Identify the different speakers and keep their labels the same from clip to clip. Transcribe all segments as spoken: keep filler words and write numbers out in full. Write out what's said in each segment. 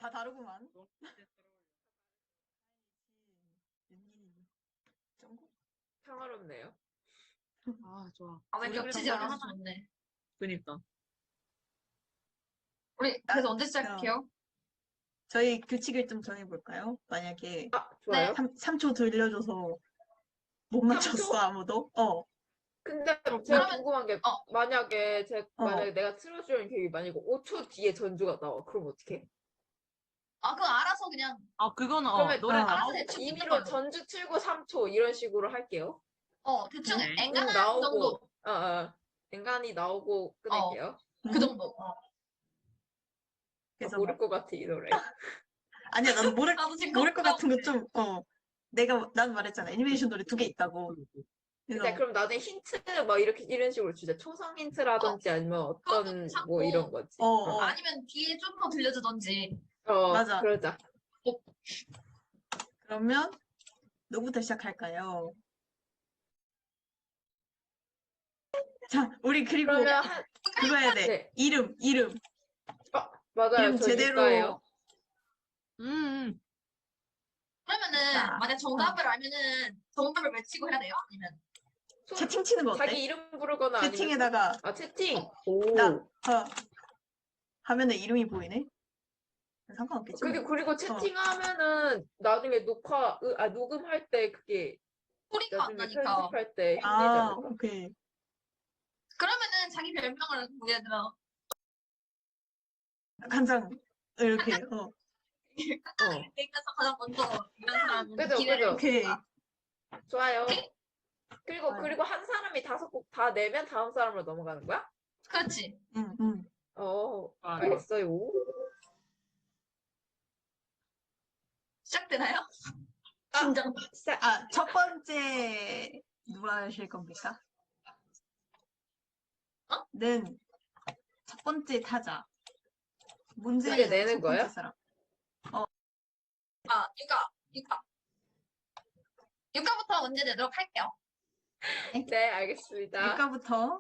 Speaker 1: 다 다르구만. 정국?
Speaker 2: 평화롭네요.
Speaker 3: 아, 좋아.
Speaker 4: 아, 왜
Speaker 3: 우리
Speaker 4: 겹치지
Speaker 3: 그래서
Speaker 4: 않아서
Speaker 3: 하나-
Speaker 4: 좋네.
Speaker 3: 그니까.
Speaker 4: 우리 그래서 언제 시작해요?
Speaker 1: 저희 규칙을 좀 정해볼까요? 만약에
Speaker 2: 아, 좋아요.
Speaker 4: 네.
Speaker 1: 삼 초 들려줘서 못 맞췄어,
Speaker 2: 삼 초?
Speaker 1: 아무도? 어.
Speaker 2: 근데 제가
Speaker 4: 그러면-
Speaker 2: 궁금한 게
Speaker 4: 어.
Speaker 2: 만약에 제
Speaker 1: 어.
Speaker 2: 만약에 내가 틀어주는 계획이 만약에 오 초 뒤에 전주가 나와. 그럼 어떡해?
Speaker 4: 아, 그거 알아서 그냥
Speaker 3: 아, 그거는, 어,
Speaker 2: 그러면
Speaker 3: 노래
Speaker 1: 아,
Speaker 3: 나오고.
Speaker 4: 알아서 대충 듣는
Speaker 2: 임의로
Speaker 4: 걸로.
Speaker 2: 전주 틀고 삼 초 이런 식으로 할게요.
Speaker 4: 어, 대충
Speaker 3: 네.
Speaker 4: 앵간한
Speaker 2: 음, 나오고
Speaker 4: 정도.
Speaker 2: 어, 어. 엔간히 나오고 끝낼게요.
Speaker 4: 그 정도. 어.
Speaker 1: 그래서
Speaker 2: 아, 모를 것 같아 이 노래.
Speaker 1: 아니야, 나도 모를,
Speaker 4: 나도 지금
Speaker 1: 모를 것 같은 거
Speaker 4: 걱정.
Speaker 1: 좀, 어. 내가, 난 말했잖아. 애니메이션 노래 두 개 있다고.
Speaker 2: 근데
Speaker 1: 그래서,
Speaker 2: 그럼 나중에 힌트 막 이렇게 이런 식으로 주자. 초성 힌트라든지 아니면 어떤
Speaker 4: 그것도 참고.
Speaker 2: 뭐 이런 거지.
Speaker 1: 어, 어.
Speaker 4: 아니면 뒤에 좀 더 들려주던지.
Speaker 2: 어,
Speaker 1: 맞아.
Speaker 2: 그러자.
Speaker 1: 그러면, 누구부터 시작할까요? 자, 우리 그리고
Speaker 2: 그러면 한
Speaker 1: 그거 해야 돼.
Speaker 2: 네.
Speaker 1: 이름, 이름.
Speaker 2: 맞아요.
Speaker 1: 이름
Speaker 2: 저
Speaker 1: 제대로.
Speaker 2: 유가예요.
Speaker 3: 음, 음.
Speaker 4: 그러면은
Speaker 1: 자,
Speaker 4: 만약 정답을 알면은 정답을 외치고 해야 돼요? 아니면
Speaker 2: 손-
Speaker 1: 채팅 치는 거 어때?
Speaker 2: 자기 이름 부르거나 아니면
Speaker 1: 채팅에다가,
Speaker 2: 손- 아 채팅. 오.
Speaker 1: 나, 어, 화면에 이름이 보이네? 상관없겠지.
Speaker 2: 그리고
Speaker 1: 뭐.
Speaker 2: 그리고 채팅하면은 나중에 녹화 으, 아 녹음할 때 그게
Speaker 4: 소리가 안
Speaker 2: 나중에
Speaker 4: 나니까.
Speaker 2: 편집할 때 힘들지
Speaker 1: 아,
Speaker 2: 않을까?
Speaker 1: 오케이.
Speaker 4: 그러면은 자기 별명을 뭐 예를 들어
Speaker 1: 간장, 이렇게, 어.
Speaker 2: 어.
Speaker 4: 땡겨서 가장 먼저 이런 사람은
Speaker 2: 그죠,
Speaker 4: 기회를
Speaker 2: 그죠.
Speaker 1: 오케이.
Speaker 2: 좋아요. 그리고
Speaker 1: 좋아요.
Speaker 2: 그리고 한 사람이 다섯 곡 다 내면 다음 사람으로 넘어가는 거야?
Speaker 4: 그렇지.
Speaker 1: 응, 응.
Speaker 2: 어,
Speaker 3: 아,
Speaker 2: 알겠어요.
Speaker 4: 시작되나요?
Speaker 2: 아.
Speaker 4: 긴장.
Speaker 2: 시작.
Speaker 1: 아, 첫 번째, 누가 하실 겁니까?
Speaker 4: 어?
Speaker 1: 는, 첫 번째 타자. 문제
Speaker 2: 문제 내는
Speaker 1: 첫 번째
Speaker 2: 거야?
Speaker 1: 사람.
Speaker 4: 아, 육아, 육아. 육아부터 문제 내도록 할게요.
Speaker 2: 네, 알겠습니다.
Speaker 1: 육가부터.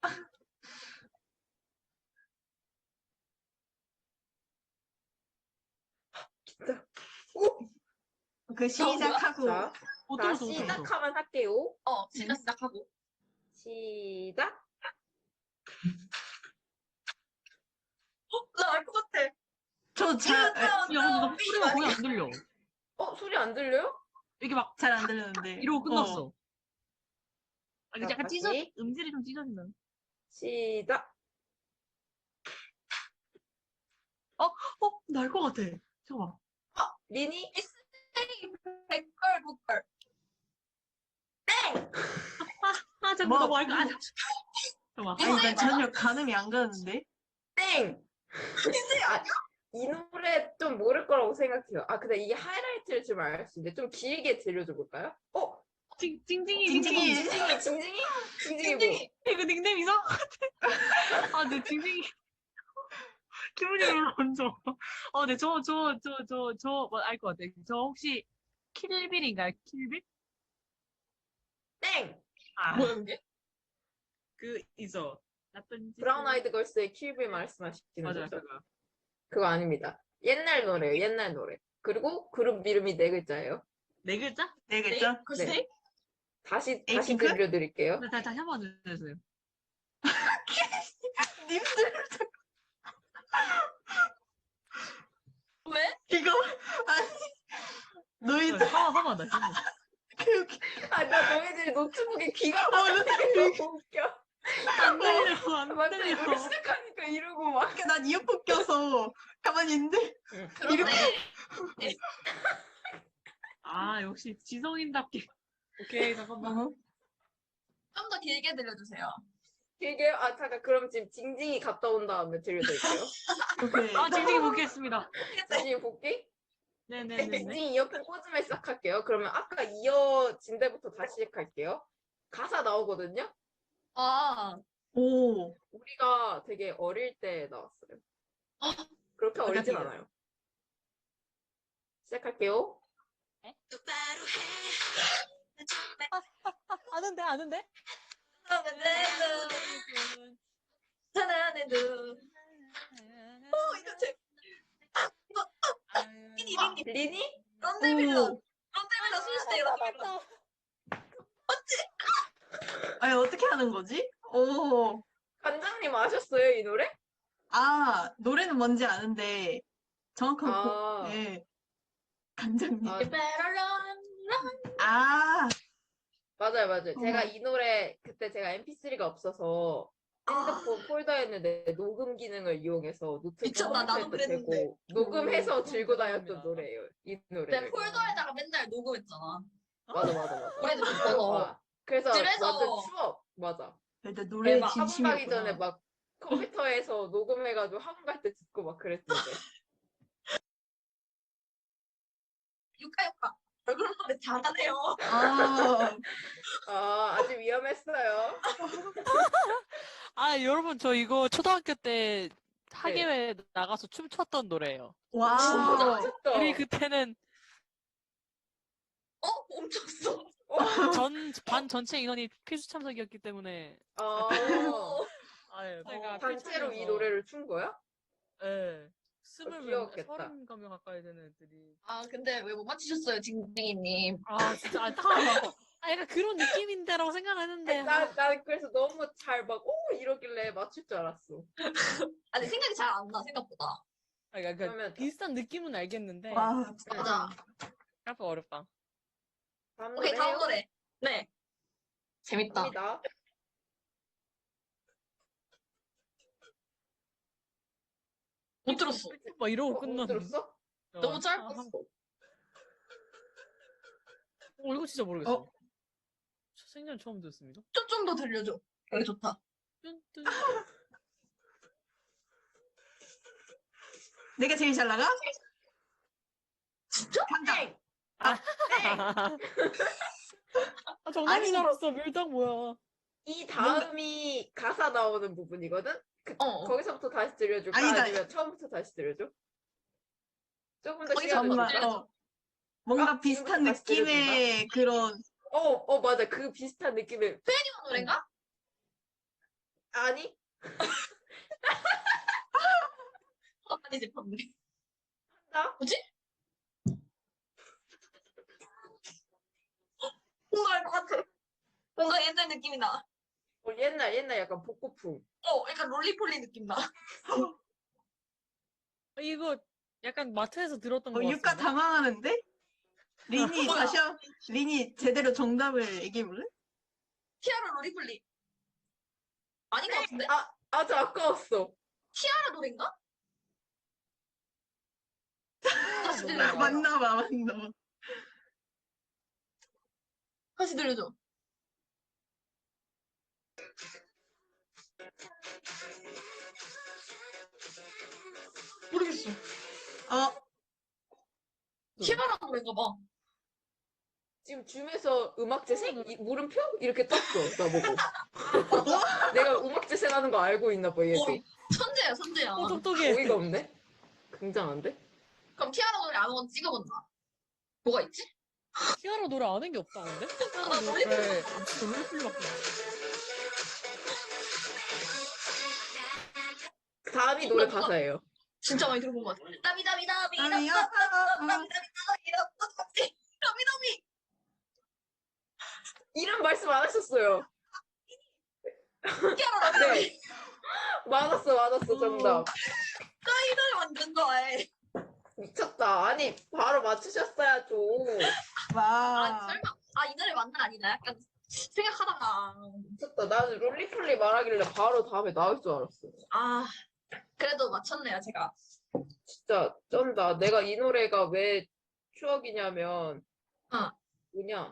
Speaker 2: 진짜. 오!
Speaker 1: 그 시작하고.
Speaker 2: 자,
Speaker 3: 어,
Speaker 2: 자
Speaker 3: 들었어, 들었어.
Speaker 2: 시작하면 할게요.
Speaker 4: 어, 시작 시작하고.
Speaker 2: 시작.
Speaker 4: 나 알 것 같아.
Speaker 1: 저 잘,
Speaker 3: 야, 근데 나 소리가 거의 안 들려.
Speaker 2: 어, 소리 안 들려요?
Speaker 3: 이게 막,
Speaker 1: 잘 안 들렸는데.
Speaker 3: 이러고 끝났어.
Speaker 1: 어.
Speaker 3: 아, 이게
Speaker 2: 자,
Speaker 3: 약간
Speaker 2: 다시.
Speaker 3: 찢어, 음질이 좀 찢어진다.
Speaker 2: 시작.
Speaker 3: 어, 나 알 것 같아. 잠깐만.
Speaker 2: 리니?
Speaker 4: 백걸 북걸.
Speaker 3: 아, 잠깐만,
Speaker 1: 뭐,
Speaker 3: 나 뭐 알 것 같아. 잠깐만.
Speaker 1: 아니, 난 전혀 가늠이 안 가는데.
Speaker 2: 땡! 아, 이 노래 좀 모를 거라고 생각해요. 아, 근데 이게 하이라이트를 좀 알 수 있는데 좀 길게 들려줘 볼까요? 어?
Speaker 3: 찡, 찡찡이,
Speaker 1: 찡찡이.
Speaker 3: 찡찡이.
Speaker 2: 징징이, 징징이? 징징이 뭐?
Speaker 4: 찡찡이.
Speaker 3: 이거 닉네임 이상한 것 같아. 아, 네, 징징이. 기분이 별로 안 좋아. 어, 네, 저, 저, 저, 저, 저, 뭐, 알 것 같아. 저 혹시 킬빌인가요? 킬빌?
Speaker 2: 땡!
Speaker 3: 아,
Speaker 4: 뭐야 그게?
Speaker 3: 그, 있어. 나쁜 짓.
Speaker 2: 브라운 아이드 걸스의 킬빌 말씀하시는
Speaker 3: 맞아요,
Speaker 2: 거죠?
Speaker 3: 그거.
Speaker 2: 그거 아닙니다. 옛날 노래예요, 옛날 노래. 그리고 그룹 이름이 네 글자예요.
Speaker 3: 네 글자?
Speaker 1: 네 글자?
Speaker 4: 글쎄?
Speaker 2: 네. 다시, 다시
Speaker 1: 에이핑크?
Speaker 2: 들려드릴게요.
Speaker 3: 네, 다시, 다시 한 번 해주세요.
Speaker 1: 님들,
Speaker 4: 왜?
Speaker 1: 이거, 아니, 너희들,
Speaker 3: 하마, 하마, 나 하마.
Speaker 1: 그, 그,
Speaker 2: 아, 나 너희들이 노트북에 귀가
Speaker 1: 어,
Speaker 2: 막히는 거 너무 웃겨.
Speaker 3: 안 들려, 안
Speaker 2: 맞다, 이 노래
Speaker 3: 들려.
Speaker 2: 시작하니까 이러고 막.
Speaker 1: 난 이어폰 껴서 가만히 있는데,
Speaker 4: 그런데
Speaker 3: 아, 역시 지성인답게. 오케이, 잠깐만.
Speaker 1: 어,
Speaker 4: 좀 더 길게 들려주세요.
Speaker 2: 길게, 아, 잠깐, 그럼 지금 징징이 갔다 온 다음에 들려드릴게요.
Speaker 1: 오케이.
Speaker 3: 아, 징징이 복귀했습니다.
Speaker 2: 징징이 복귀?
Speaker 3: 네네네네.
Speaker 2: 징징이 이어폰 꽂으면 시작할게요. 그러면 아까 이어진 데부터 다시 시작할게요. 가사 나오거든요?
Speaker 4: 아,
Speaker 1: 오,
Speaker 2: 우리가 되게 어릴 때 나왔어요. 그렇게 어리진
Speaker 1: 어떻게
Speaker 2: 않아요. 시작할게요.
Speaker 3: 아는데, 아는데?
Speaker 4: 사랑의 눈. 어, 이거 제 리니,
Speaker 2: 리니?
Speaker 4: 런데빌런,
Speaker 1: 오.
Speaker 4: 런데빌런 순수대 런데빌런.
Speaker 1: 아니, 어떻게 하는 거지? 오.
Speaker 2: 관장님 아셨어요, 이 노래?
Speaker 1: 아, 노래는 뭔지 아는데, 정확한 곡,
Speaker 2: 아,
Speaker 1: 네. 간장님.
Speaker 2: 아,
Speaker 4: You better run, run.
Speaker 1: 아,
Speaker 2: 맞아요, 맞아요. 제가
Speaker 1: 어머.
Speaker 2: 이 노래, 그때 제가 엠피쓰리가 없어서 핸드폰 폴더했는데 녹음 기능을 이용해서 노트북
Speaker 4: 미쳤다, 나도
Speaker 2: 컴퓨터에도
Speaker 4: 그랬는데.
Speaker 2: 대고 녹음해서
Speaker 3: 오,
Speaker 2: 들고
Speaker 3: 그럼
Speaker 2: 다녔던
Speaker 3: 대단합니다.
Speaker 2: 노래예요. 이
Speaker 4: 내
Speaker 2: 노래를.
Speaker 4: 폴더에다가 맨날 녹음했잖아.
Speaker 2: 맞아, 맞아, 맞아.
Speaker 4: 노래 듣고 싶어서.
Speaker 2: 아, 그래서
Speaker 4: 집에서.
Speaker 2: 완전 추억. 맞아.
Speaker 1: 일단 노래에
Speaker 4: 대박.
Speaker 2: 학원 가기 전에
Speaker 1: 진심이었구나.
Speaker 2: 막 컴퓨터에서 녹음해가지고 학원 갈 때 듣고 막 그랬는데.
Speaker 4: 유카유카. 얼굴 노래 잘하네요.
Speaker 1: 아,
Speaker 2: 아, 아직 위험했어요.
Speaker 5: 아, 여러분, 저 이거 초등학교 때 학예회 나가서 춤췄던 노래예요.
Speaker 1: 와우.
Speaker 2: 미쳤다.
Speaker 5: 우리 그때는
Speaker 4: 어? 멈췄어.
Speaker 5: 전, 반 전체 인원이 필수 참석이었기 때문에.
Speaker 2: 아,
Speaker 5: 아유,
Speaker 1: 어,
Speaker 2: 단체로 이 노래를 춘 거야?
Speaker 5: 예. 스물 명,
Speaker 2: 귀여웠겠다.
Speaker 5: 서른 가명 가까이 되는 애들이.
Speaker 4: 아, 근데 왜 못 맞히셨어요, 징징이님?
Speaker 5: 아, 진짜 안타까워. 아, 약간 그런 느낌인데라고 생각했는데.
Speaker 2: 나, 난 그래서 너무 잘 막, 오! 이러길래 맞출 줄 알았어.
Speaker 4: 아니, 생각이 잘 안 나, 생각보다.
Speaker 5: 아, 그러니까
Speaker 2: 그러면
Speaker 5: 비슷한 느낌은 알겠는데.
Speaker 1: 와,
Speaker 4: 맞아.
Speaker 5: 생각보다 어렵다.
Speaker 2: 다음
Speaker 4: 오케이, 다음
Speaker 2: 노래요?
Speaker 4: 노래. 네. 재밌다.
Speaker 2: 입니다.
Speaker 4: 못 들었어.
Speaker 5: 막 이러고
Speaker 2: 어, 못
Speaker 5: 끝났는데.
Speaker 2: 들었어?
Speaker 5: 어,
Speaker 4: 너무
Speaker 5: 한-
Speaker 4: 짧았어.
Speaker 5: 한- 어, 이거 진짜 모르겠어.
Speaker 1: 어?
Speaker 5: 생전 처음 듣습니다.
Speaker 4: 좀 좀 더 들려줘. 여기 좋다.
Speaker 5: 뚠, 뚠.
Speaker 1: 내가 제일 잘 나가?
Speaker 4: 진짜?
Speaker 1: 간다.
Speaker 5: 아, 정답인
Speaker 1: 아니.
Speaker 5: 줄 알았어. 밀당 뭐야.
Speaker 2: 이 다음이 가사 나오는 부분이거든? 그,
Speaker 4: 어, 어.
Speaker 2: 거기서부터 다시 들려줄까?
Speaker 1: 아니다.
Speaker 2: 아니면 처음부터 다시 들려줘? 조금 더
Speaker 4: 거기서
Speaker 2: 시간을
Speaker 1: 정말,
Speaker 2: 줄까?
Speaker 4: 들려줘.
Speaker 1: 어. 뭔가
Speaker 2: 아,
Speaker 1: 비슷한
Speaker 2: 지금부터 다시
Speaker 1: 느낌의 그런,
Speaker 2: 어, 어, 맞아. 그 비슷한 느낌의,
Speaker 4: 이거 노래인가?
Speaker 2: 아니?
Speaker 4: 어, 아니지, 방금.
Speaker 2: 나?
Speaker 4: 뭐지? 뭔가 알 것 같아. 뭔가 옛날 느낌이 나.
Speaker 2: 어, 옛날, 옛날 약간 복고풍.
Speaker 4: 어, 약간 롤리폴리 느낌 나.
Speaker 5: 어, 이거 약간 마트에서 들었던
Speaker 1: 어,
Speaker 5: 거
Speaker 1: 육가
Speaker 5: 같은데.
Speaker 1: 당황하는데? 리니,
Speaker 4: 뭐야?
Speaker 1: 다시 한, 리니, 제대로 정답을 얘기해볼래?
Speaker 4: 티아라 롤리폴리. 아닌 것 같은데?
Speaker 2: 아, 아주 아까웠어.
Speaker 4: 티아라 노래인가? 다시 들려줘.
Speaker 1: 맞나봐, 맞나봐.
Speaker 4: 다시 들려줘. 모르겠어.
Speaker 1: 어,
Speaker 4: 티아라 노래인가 봐.
Speaker 2: 지금 줌에서 음악 재생? 이, 물음표? 이렇게 떴어, 나보고. 내가 음악 재생하는 거 알고 있나 봐, 얘도.
Speaker 4: 어, 천재야, 천재야.
Speaker 5: 어, 똑똑해.
Speaker 2: 어이가 없네? 굉장한데?
Speaker 4: 그럼 티아라 노래 아무거나 찍어본다. 뭐가 있지?
Speaker 5: 티아라 노래 아는 게 없다는데?
Speaker 4: 아, 나 롤리폴리.
Speaker 5: 네, 롤리폴리밖에 없어.
Speaker 2: 다음이 노래 가사예요.
Speaker 4: 진짜 많이 들어본 것 같아. 다비다비다비.
Speaker 1: 아니요.
Speaker 4: 다비다비.
Speaker 2: 이름 말씀 안 하셨어요.
Speaker 4: 티아라 노래.
Speaker 2: 네. 맞았어, 맞았어, 정답.
Speaker 4: 이 노래 완전 좋아해.
Speaker 2: 미쳤다. 아니, 바로 맞추셨어야죠.
Speaker 4: 아,
Speaker 1: 와.
Speaker 4: 설마. 아, 이 노래 맞나 아니다. 약간 생각하다가.
Speaker 2: 미쳤다. 나는 롤리폴리 말하길래 바로 다음에 나올 줄 알았어.
Speaker 4: 아, 그래도 맞췄네요, 제가.
Speaker 2: 진짜 쩐다. 내가 이 노래가 왜 추억이냐면,
Speaker 4: 어.
Speaker 2: 뭐냐.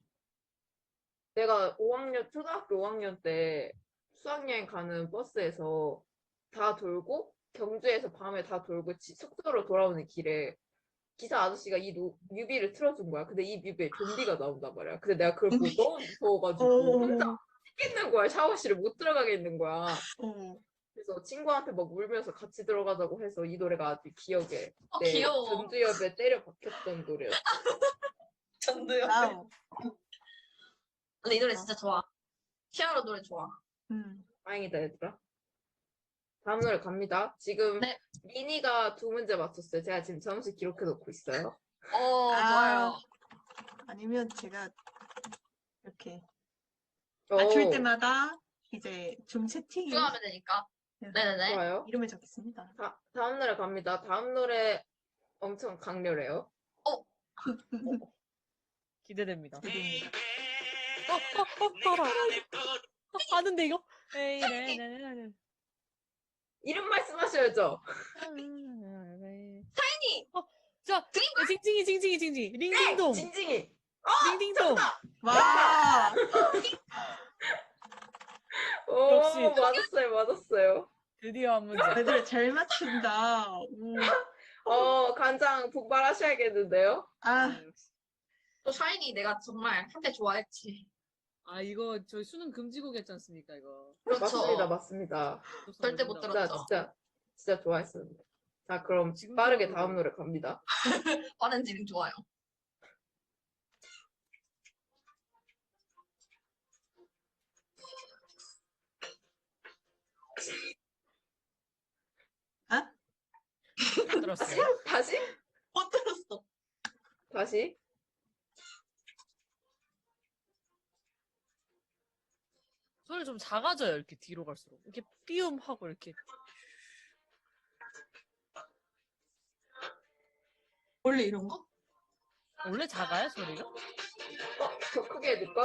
Speaker 2: 내가 오 학년, 초등학교 오 학년 때 수학여행 가는 버스에서 다 돌고, 경주에서 밤에 다 돌고 지- 숙소로 돌아오는 길에 기사 아저씨가 이 노- 뮤비를 틀어준 거야. 근데 이 뮤비에 좀비가 나온단 말이야. 근데 내가 그걸 보고 너무 무서워가지고 혼자
Speaker 1: 어,
Speaker 2: 있는 거야. 샤워실에 못 들어가게 있는 거야.
Speaker 1: 어.
Speaker 2: 그래서 친구한테 막 울면서 같이 들어가자고 해서 이 노래가 아주 기억에
Speaker 4: 어,
Speaker 2: 내
Speaker 4: 귀여워.
Speaker 2: 전두엽에 때려 박혔던 노래였어.
Speaker 4: 전두요.
Speaker 1: 와우.
Speaker 4: 근데 이 노래 진짜 좋아. 티아라 노래 좋아.
Speaker 1: 음.
Speaker 2: 다행이다 얘들아. 다음 노래 갑니다. 지금
Speaker 4: 네.
Speaker 2: 미니가 두 문제 맞췄어요. 제가 지금 점수 기록해 놓고 있어요.
Speaker 4: 어,
Speaker 1: 아.
Speaker 4: 좋아요.
Speaker 1: 아니면 제가 이렇게
Speaker 2: 오,
Speaker 1: 맞출 때마다 이제 좀 채팅에
Speaker 4: 추가하면 되니까. 네네네.
Speaker 2: 좋아요.
Speaker 1: 이름을 적겠습니다.
Speaker 2: 다, 다음 노래 갑니다. 다음 노래 엄청 강렬해요.
Speaker 5: 기대됩니다.
Speaker 1: 기대됩니다.
Speaker 5: 어, 어, 어, 알아. 어, 아는데 이거? 에이, 네, 네, 네, 네.
Speaker 2: 이름 말씀하셔야죠.
Speaker 4: 타이니!
Speaker 5: 어, 자, 징징이, 징징이, 징징이.
Speaker 2: 네,
Speaker 5: 링딩동.
Speaker 2: 징징이.
Speaker 5: 링딩동.
Speaker 1: 와!
Speaker 2: 오,
Speaker 5: 역시.
Speaker 2: 맞았어요, 맞았어요.
Speaker 5: 드디어 한 문제.
Speaker 1: 애들 잘 맞춘다. 오.
Speaker 2: 어, 간장 폭발하셔야겠는데요?
Speaker 1: 아,
Speaker 4: 또 샤이니 내가 정말 한때 좋아했지.
Speaker 5: 아, 이거 저희 수능 금지곡 했지 않습니까, 이거?
Speaker 4: 그렇죠.
Speaker 2: 맞습니다, 맞습니다.
Speaker 4: 절대 못
Speaker 2: 진짜,
Speaker 4: 들었죠.
Speaker 2: 진짜, 진짜 좋아했었는데. 자, 그럼
Speaker 5: 지금
Speaker 2: 빠르게
Speaker 5: 생각해도-
Speaker 2: 다음 노래 갑니다.
Speaker 4: 빠른 진행 좋아요.
Speaker 5: 들었어요.
Speaker 2: 다시?
Speaker 4: 못 들었어.
Speaker 2: 다시?
Speaker 5: 소리 좀 작아져요, 이렇게 뒤로 갈수록. 이렇게 삐움하고 이렇게.
Speaker 4: 원래 이런 거?
Speaker 5: 원래 작아요, 소리가?
Speaker 2: 어, 더 크게 해줄까?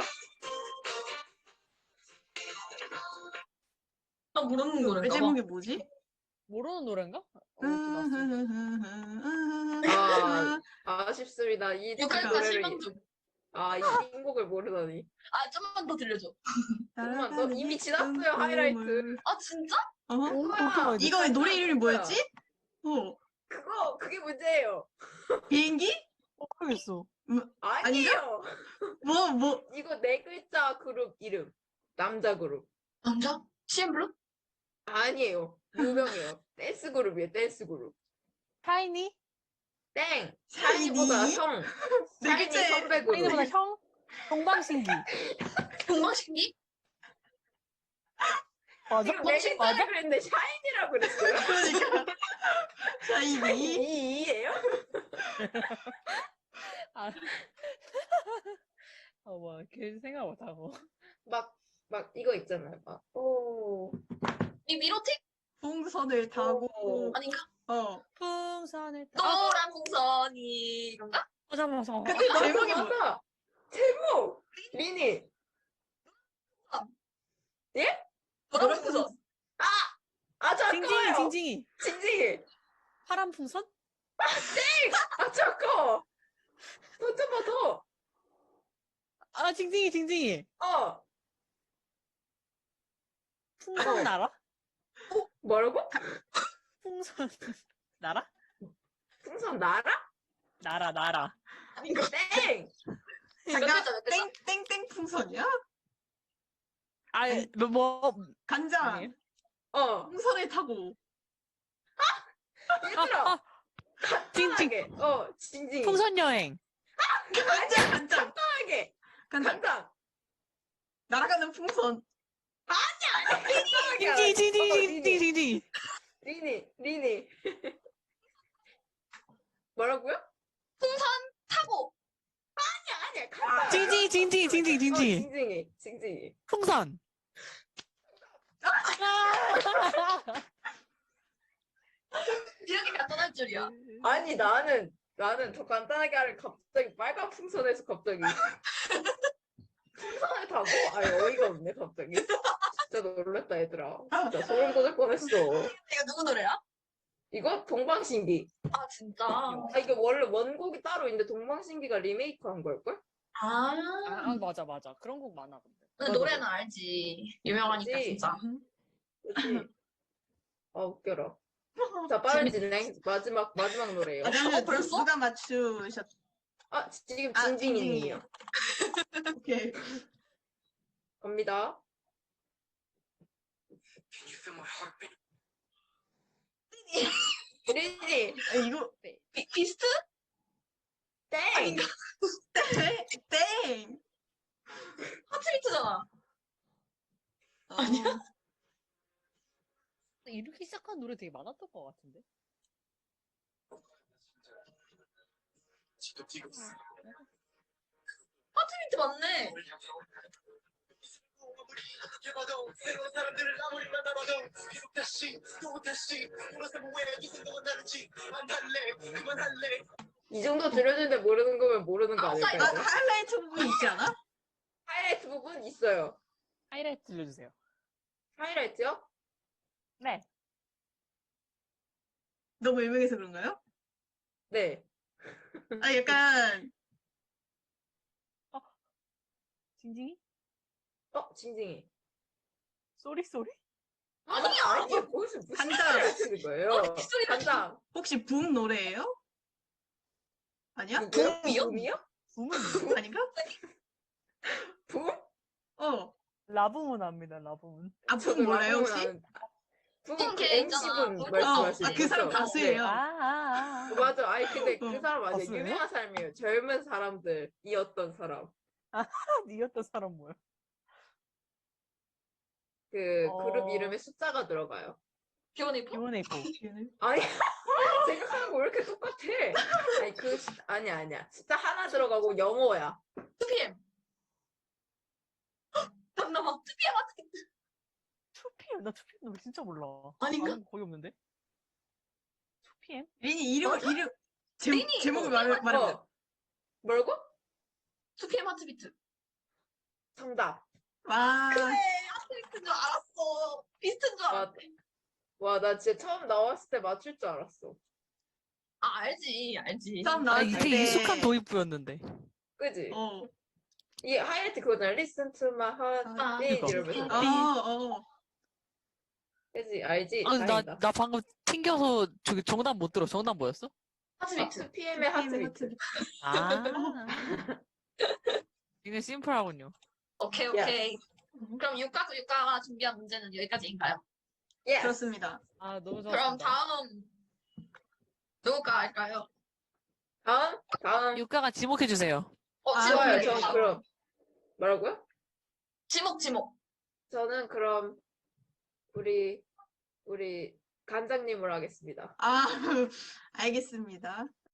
Speaker 4: 나 모르는
Speaker 1: 왜
Speaker 4: 노래인가 봐.
Speaker 1: 제목이 뭐지?
Speaker 5: 모르는 노래인가? 어, 이렇게 났어.
Speaker 2: 아, 아쉽습니다. 이
Speaker 4: 유카리카
Speaker 2: 노래를,
Speaker 4: 실명 중.
Speaker 2: 아, 이 띵곡을 모르다니.
Speaker 4: 아, 좀만 더 들려줘.
Speaker 2: 조금만 더? 이미 지났어요, 하이라이트.
Speaker 4: 아, 진짜?
Speaker 1: 어?
Speaker 2: 뭐야?
Speaker 1: 이거 노래 이름이 뭐였지? 어,
Speaker 2: 그거, 그게 문제예요.
Speaker 1: 비행기?
Speaker 5: 어, 하겠어.
Speaker 2: 아니에요.
Speaker 1: 뭐, 뭐,
Speaker 2: 이거 네 글자 그룹 이름. 남자 그룹.
Speaker 4: 남자? 씨엠블루?
Speaker 2: 아니에요. 유명해요. 댄스 그룹이에요, 댄스 그룹.
Speaker 5: 샤이니?
Speaker 2: 땡!
Speaker 1: 샤이니?
Speaker 2: 샤이니보다 형.
Speaker 1: 네
Speaker 2: 샤이니
Speaker 1: 글자에-
Speaker 2: 선배 그룹.
Speaker 5: 샤이니보다 형? 동방신기.
Speaker 4: 동방신기?
Speaker 5: 맞아?
Speaker 2: 지금 네
Speaker 4: 혹시
Speaker 2: 글자를
Speaker 5: 맞아?
Speaker 2: 그랬는데 샤이니라고 그랬어요.
Speaker 1: 그러니까. 샤이니?
Speaker 2: 이, 이예요?
Speaker 5: 아. 어, 뭐, 걔 생각 못하고.
Speaker 2: 막, 막 이거 있잖아요. 막, 오.
Speaker 4: 이 미로틱?
Speaker 1: 풍선을 타고,
Speaker 4: 아닌가?
Speaker 1: 어.
Speaker 5: 풍선을 타.
Speaker 4: 노란 풍선이 이건가?
Speaker 5: 맞아, 맞아.
Speaker 1: 근데
Speaker 2: 맞아,
Speaker 1: 제목이 뭐,
Speaker 2: 맞아. 제목! 리니.
Speaker 4: 노란 풍선.
Speaker 2: 아,
Speaker 5: 징징이,
Speaker 2: 잠깐만요.
Speaker 5: 징징이.
Speaker 2: 징징이.
Speaker 5: 파란 풍선?
Speaker 2: 아, 잠깐. 더 쳐봐, 더.
Speaker 5: 아, 징징이, 징징이.
Speaker 2: 어.
Speaker 5: 풍선
Speaker 2: 어.
Speaker 5: 나라?
Speaker 2: 뭐라고?
Speaker 5: 풍선 나라?
Speaker 2: 풍선 나라?
Speaker 5: 나라, 나라.
Speaker 4: 아닌가?
Speaker 2: 땡!
Speaker 4: 몇
Speaker 1: 잠깐,
Speaker 4: 글자, 몇 글자?
Speaker 1: 땡, 땡땡 풍선이야?
Speaker 5: 아, 뭐, 뭐,
Speaker 1: 간장.
Speaker 5: 아니에요?
Speaker 2: 어.
Speaker 1: 풍선을 타고.
Speaker 2: 얘들아.
Speaker 5: 아, 징징.
Speaker 2: 간단하게. 어, 징징이.
Speaker 5: 풍선 여행.
Speaker 1: 간장, 간장.
Speaker 2: 간단하게.
Speaker 1: 간장.
Speaker 2: 간단.
Speaker 1: 날아가는 풍선.
Speaker 2: 간단하게.
Speaker 5: 징징이, 징징이,
Speaker 2: 어,
Speaker 5: 징징이,
Speaker 2: 리니.
Speaker 5: 징징이.
Speaker 2: 리니, 리니. 뭐라고요?
Speaker 4: 타고.
Speaker 2: 아니야, 간단.
Speaker 5: 징징이, 징징이, 징징이,
Speaker 2: 어,
Speaker 5: 징징이.
Speaker 2: 징징이. 징징이.
Speaker 5: 풍선.
Speaker 4: 이렇게 간단할 줄이야.
Speaker 2: 아니, 나는, 나는 더 간단하게 하려 갑자기 빨간 풍선에서 갑자기. 풍선을 타고? 아니, 어이가 없네, 갑자기. 진짜 놀랬다, 얘들아. 진짜 소름 돋을 뻔했어.
Speaker 4: 이거 누구 노래야?
Speaker 2: 이거 동방신기.
Speaker 4: 아, 진짜.
Speaker 2: 아, 이게 원래 원곡이 따로 있는데 동방신기가 리메이크 한 걸걸?
Speaker 4: 아.
Speaker 5: 아, 맞아, 맞아. 그런 곡 많아, 근데.
Speaker 4: 근데
Speaker 2: 맞아.
Speaker 4: 노래는 알지. 유명하니까,
Speaker 2: 알지?
Speaker 4: 진짜.
Speaker 2: 그치? 아, 웃겨라. 자, 빠른 진행. 마지막, 마지막 노래예요.
Speaker 1: 아, 그러면
Speaker 4: 어, 벌써?
Speaker 1: 누가 맞추셨,
Speaker 2: 아, 지금
Speaker 1: 아,
Speaker 2: 징징이님이요.
Speaker 1: 오케이.
Speaker 2: 갑니다. 리니,
Speaker 1: 아, 이거,
Speaker 4: 비, 비스트?
Speaker 2: 땡!
Speaker 1: 땡! 땡!
Speaker 4: 하트비트잖아.
Speaker 1: 아니야?
Speaker 5: 이렇게 시작한 노래 되게 많았던 것 같은데.
Speaker 4: 하트비트 맞네.
Speaker 2: 이 정도 들려주는데 모르는 거면 모르는 거 아닐까
Speaker 1: 아,
Speaker 2: 이제?
Speaker 1: 하이라이트 부분 있지 않아?
Speaker 2: 하이라이트 부분 있어요.
Speaker 5: 하이라이트 들려주세요.
Speaker 2: 하이라이트요?
Speaker 5: 네.
Speaker 1: 너무 유명해서 그런가요?
Speaker 2: 네.
Speaker 1: 아, 약간
Speaker 5: 징징이?
Speaker 2: 어, 징징이.
Speaker 5: 쏘리 쏘리?
Speaker 2: 아니야, 아니야. 거기서 무슨
Speaker 1: 간장.
Speaker 2: 소리 하시는 거예요? 간장.
Speaker 1: 혹시 붐 노래예요? 아니야?
Speaker 2: 누구요?
Speaker 4: 붐이요?
Speaker 2: 붐이요?
Speaker 5: 붐은
Speaker 1: 아닌가?
Speaker 2: 붐?
Speaker 1: 어.
Speaker 5: 라붐은 압니다. 라붐은.
Speaker 1: 아, 붐
Speaker 2: 저도
Speaker 1: 몰라요,
Speaker 2: 라붐은
Speaker 1: 혹시?
Speaker 2: 아는- 붐
Speaker 4: 붐
Speaker 2: 그
Speaker 4: 걔 있잖아.
Speaker 2: 엠씨분
Speaker 4: 붐.
Speaker 2: 말씀하시는
Speaker 1: 어, 아, 그 사람
Speaker 2: 거죠?
Speaker 1: 가수예요.
Speaker 2: 네.
Speaker 5: 아, 아, 아.
Speaker 2: 맞아. 아니 근데 그
Speaker 1: 어.
Speaker 2: 사람 아니야.
Speaker 5: 가수예요?
Speaker 2: 유명한 사람이에요. 젊은 사람들이었던 사람.
Speaker 5: 니였던 사람 뭐야?
Speaker 2: 그
Speaker 5: 어.
Speaker 2: 그룹 이름에 숫자가 들어가요.
Speaker 4: 비오네이프?
Speaker 5: 비오네이포.
Speaker 2: 아니 생각하는 거 왜 이렇게 똑같아? 아니 그 숫- 아니야 아니야. 숫자 하나 들어가고 영어야.
Speaker 4: 투피엠. 잠깐만. 투피엠 하트비트.
Speaker 5: 투피엠? 나 투피엠 노래 진짜 몰라.
Speaker 4: 아닌가?
Speaker 5: 아는 거 거의 없는데? 투피엠?
Speaker 1: 리니 이름,
Speaker 2: 맞아?
Speaker 1: 이름, 제,
Speaker 4: 리니!
Speaker 1: 제목을
Speaker 4: 어,
Speaker 1: 말, 말해보세요.
Speaker 2: 어. 뭐라고?
Speaker 4: 투피엠 하트비트.
Speaker 2: 정답.
Speaker 1: 와.
Speaker 4: 그래. 하트비트인 줄 알았어. 비슷한 줄
Speaker 2: 와,
Speaker 4: 알았대.
Speaker 2: 와, 나 진짜 처음 나왔을 때 맞출 줄 알았어.
Speaker 4: 아, 알지. 알지.
Speaker 1: 처음
Speaker 5: 아,
Speaker 1: 나왔을
Speaker 5: 이게
Speaker 1: 때.
Speaker 5: 익숙한 도입부였는데.
Speaker 2: 그지?
Speaker 1: 어.
Speaker 2: 이게 하이라이트 그거잖아. Listen to my heart
Speaker 4: 아,
Speaker 2: beat
Speaker 5: 그거.
Speaker 2: 이러면서.
Speaker 1: 어, 어.
Speaker 2: 그지? 알지?
Speaker 5: 아, 나,
Speaker 2: 다행이다.
Speaker 5: 나 방금 튕겨서 저기 정답 못 들어. 정답 뭐였어?
Speaker 4: 하트비트.
Speaker 2: 투 피엠의 하트비트.
Speaker 5: 아. 이게 심플하군요.
Speaker 4: 오케이, 오케이. 그럼 육각, 육가가 준비한 문제는 여기까지인가요?
Speaker 2: 예.
Speaker 1: 그렇습니다.
Speaker 5: 아, 너무
Speaker 4: 그럼
Speaker 5: 좋았습니다.
Speaker 4: 다음 누가 할까요?
Speaker 2: 다음, 다음.
Speaker 5: 육가가 지목해주세요.
Speaker 4: 어,
Speaker 1: 아,
Speaker 4: 지목,
Speaker 2: 좋아요.
Speaker 1: 그래.
Speaker 2: 전 그럼 뭐라고요?
Speaker 4: 지목, 지목.
Speaker 2: 저는 그럼 우리 우리 간장님을 하겠습니다.
Speaker 1: 아, 알겠습니다.